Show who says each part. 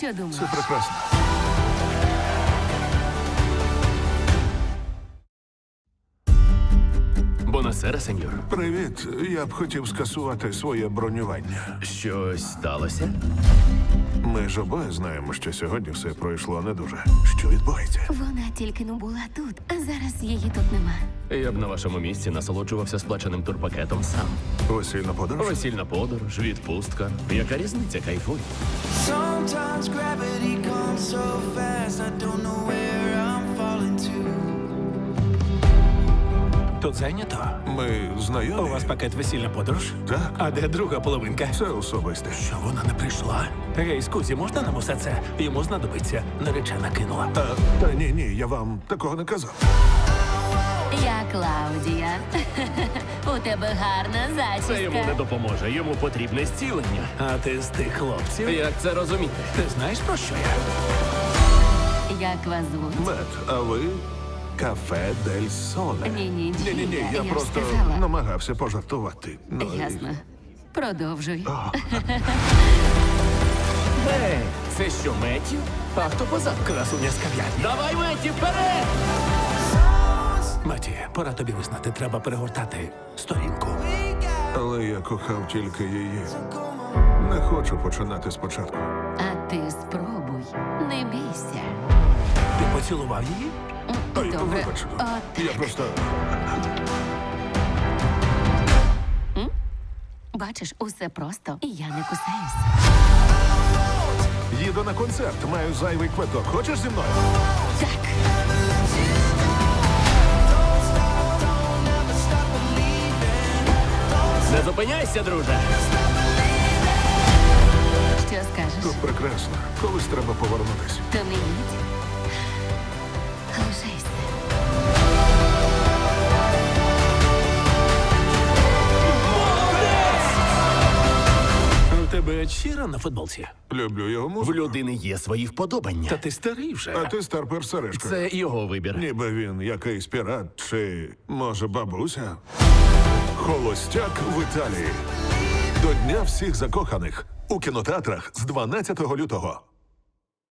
Speaker 1: Що думаєш?
Speaker 2: Це прекрасно.
Speaker 3: Бонасера, сеньор.
Speaker 2: Привіт. Я б хотів скасувати своє бронювання.
Speaker 3: Щось сталося?
Speaker 2: Ми ж обоє знаємо, що сьогодні все пройшло не дуже. Що відбувається?
Speaker 1: Вона тільки не була тут, а зараз її тут нема.
Speaker 3: Я б на вашому місці насолоджувався сплаченим турпакетом сам.
Speaker 2: Весільна подорож?
Speaker 3: Весільна подорож, відпустка. Яка різниця, кайфуй?
Speaker 4: Sometimes gravity comes so fast, I don't know where I'm falling to.
Speaker 5: Тут зайнято?
Speaker 2: Ми
Speaker 5: У
Speaker 2: знайомі?
Speaker 5: вас пакет весільна подорож?
Speaker 2: Так.
Speaker 5: А де друга половинка?
Speaker 2: Це особисте.
Speaker 5: Що вона не прийшла? Гей, скузі, можна нам усе це? Йому знадобиться. Наречена кинула.
Speaker 2: Та ні, я вам такого не казав.
Speaker 1: Я Клаудія. У тебе гарна
Speaker 3: Це йому не
Speaker 1: зачіска.
Speaker 3: допоможе. Йому потрібне зцілення.
Speaker 5: А ти з тих хлопців?
Speaker 3: Як це розуміти?
Speaker 5: Ти знаєш про що я?
Speaker 1: Як вас звуть?
Speaker 2: Мет, а ви? Кафе Дель Соле.
Speaker 1: Ні-ні-ні.
Speaker 2: Ні, я
Speaker 1: Я ж
Speaker 2: просто
Speaker 1: сказала.
Speaker 2: намагався пожартувати. Ну, і-
Speaker 1: Ясно. Продовжуй.
Speaker 3: Ей, це що, Меттю? А хто позаду?
Speaker 5: Красуня з кав'ярні.
Speaker 3: Давай, Меттю, вперед!
Speaker 5: Маті, пора тобі визнати, треба перегортати сторінку.
Speaker 2: Але я кохав тільки її. Не хочу починати спочатку.
Speaker 1: А ти спробуй. Не бійся.
Speaker 5: Ти поцілував її?
Speaker 2: Ой,
Speaker 1: Добре.
Speaker 2: вибач.
Speaker 1: От,
Speaker 2: Я просто...
Speaker 1: бачиш, усе просто, і я не кусаюсь.
Speaker 2: Їду на концерт, маю зайвий квиток. Хочеш зі мною?
Speaker 1: Так.
Speaker 3: Не зупиняйся, друже!
Speaker 1: Що скажеш?
Speaker 2: Тут прекрасно. Колись треба повернутися.
Speaker 1: То не їдь. Лишайся.
Speaker 5: У тебе щира на футболці?
Speaker 2: Люблю його
Speaker 3: В
Speaker 2: музику.
Speaker 3: людини є свої вподобання.
Speaker 5: Та ти старий вже.
Speaker 2: А ти старпер Сережка.
Speaker 3: Це його вибір.
Speaker 2: Ніби він якийсь пірат чи, може, бабуся? Холостяк в Італії. До Дня всіх закоханих. У кінотеатрах з 12 лютого.